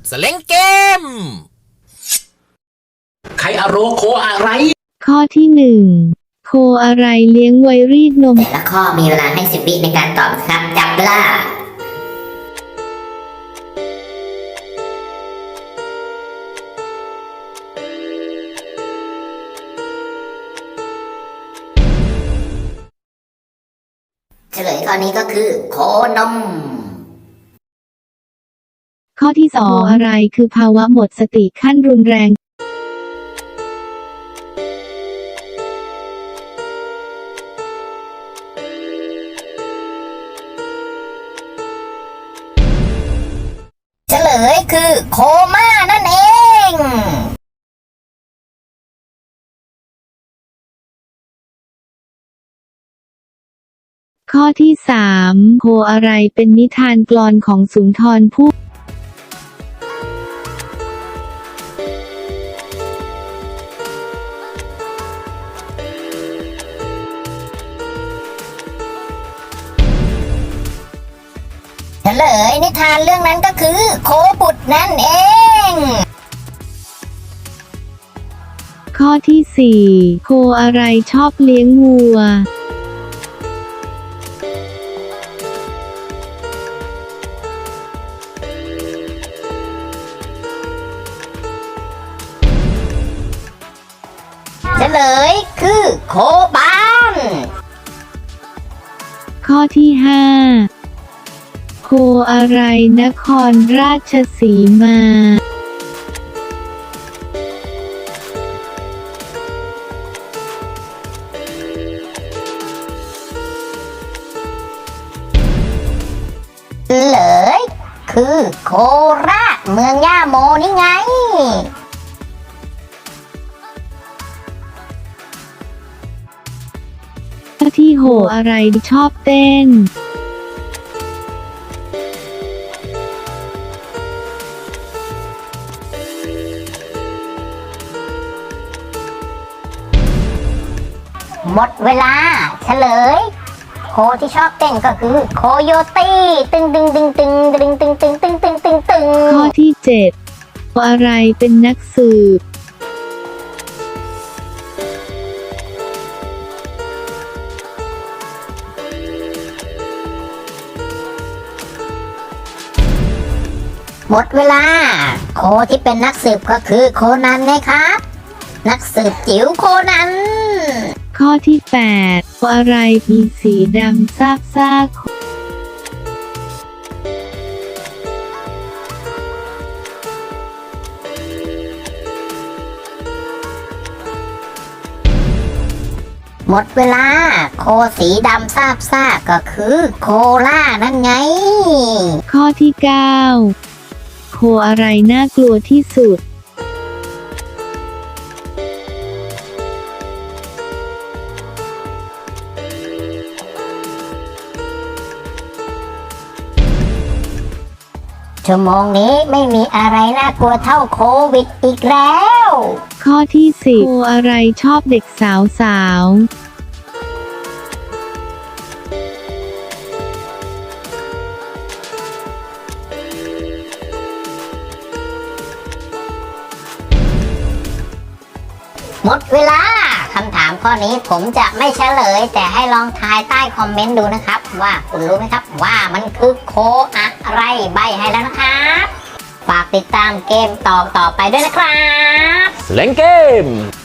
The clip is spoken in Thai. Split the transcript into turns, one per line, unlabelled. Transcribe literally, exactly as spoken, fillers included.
สเล้งเกม
ไคอาโรโคอะไร
ข้อที่หนึ่งโคอะไรเลี้ยงไว้รีดนม
แต่ละข้อมีเวลาให้สิบวิในการตอบครับจับเวลาเฉลยข้อนี้ก็คือโคนม
ข้อที่สองอะไรคือภาวะหมดสติขั้นรุนแรง
เฉลยคือโคม่านั่นเอง
ข้อที่สามโคอะไรเป็นนิทานกลอนของสุนทรภู่
เฉลยนิทานเรื่องนั้นก็คือโคบุตรนั่นเอง
ข้อที่สี่โคอะไรชอบเลี้ยงวัว
เฉลยคือโคบาน
ข้อที่ห้าโคอะไรนครราชสีมา
เฉลยคือโคราชเมืองย่าโมนี่ไง
ข้อที่หกอะไรชอบเต้น
หมดเวลาเฉลยโคที่ชอบเต้นก็คือโคโยตี้ตึงตึงตึงตึงตึงตึงตึงตึงตึงตึงตึง
ข้อที่เจ็ดโคอะไรเป็นนักสืบ
หมดเวลาโคที่เป็นนักสืบก็คือโคนันไงครับนักสืบจิ๋วโคนัน
ข้อที่แปดโคอะไรมีสีดำซาบซ่า
หมดเวลาโคสีดำซาบซ่าก็คือโคล่านั่นไง
ข้อที่เก้าโคอะไรน่ากลัวที่สุด
ชั่วโมงนี้ไม่มีอะไรน่ากลัวเท่าโควิดอีกแล้ว
ข้อที่สิบโคอะไรชอบเด็กสาวสาว
หมดเวลาคำถามข้อนี้ผมจะไม่เฉลยแต่ให้ลองทายใต้คอมเมนต์ดูนะครับว่าคุณรู้ไหมครับว่ามันคือโคอะไรใบให้แล้วนะครับฝากติดตามเกมต่อต่อไปด้วยนะครับ
สเล้งเกม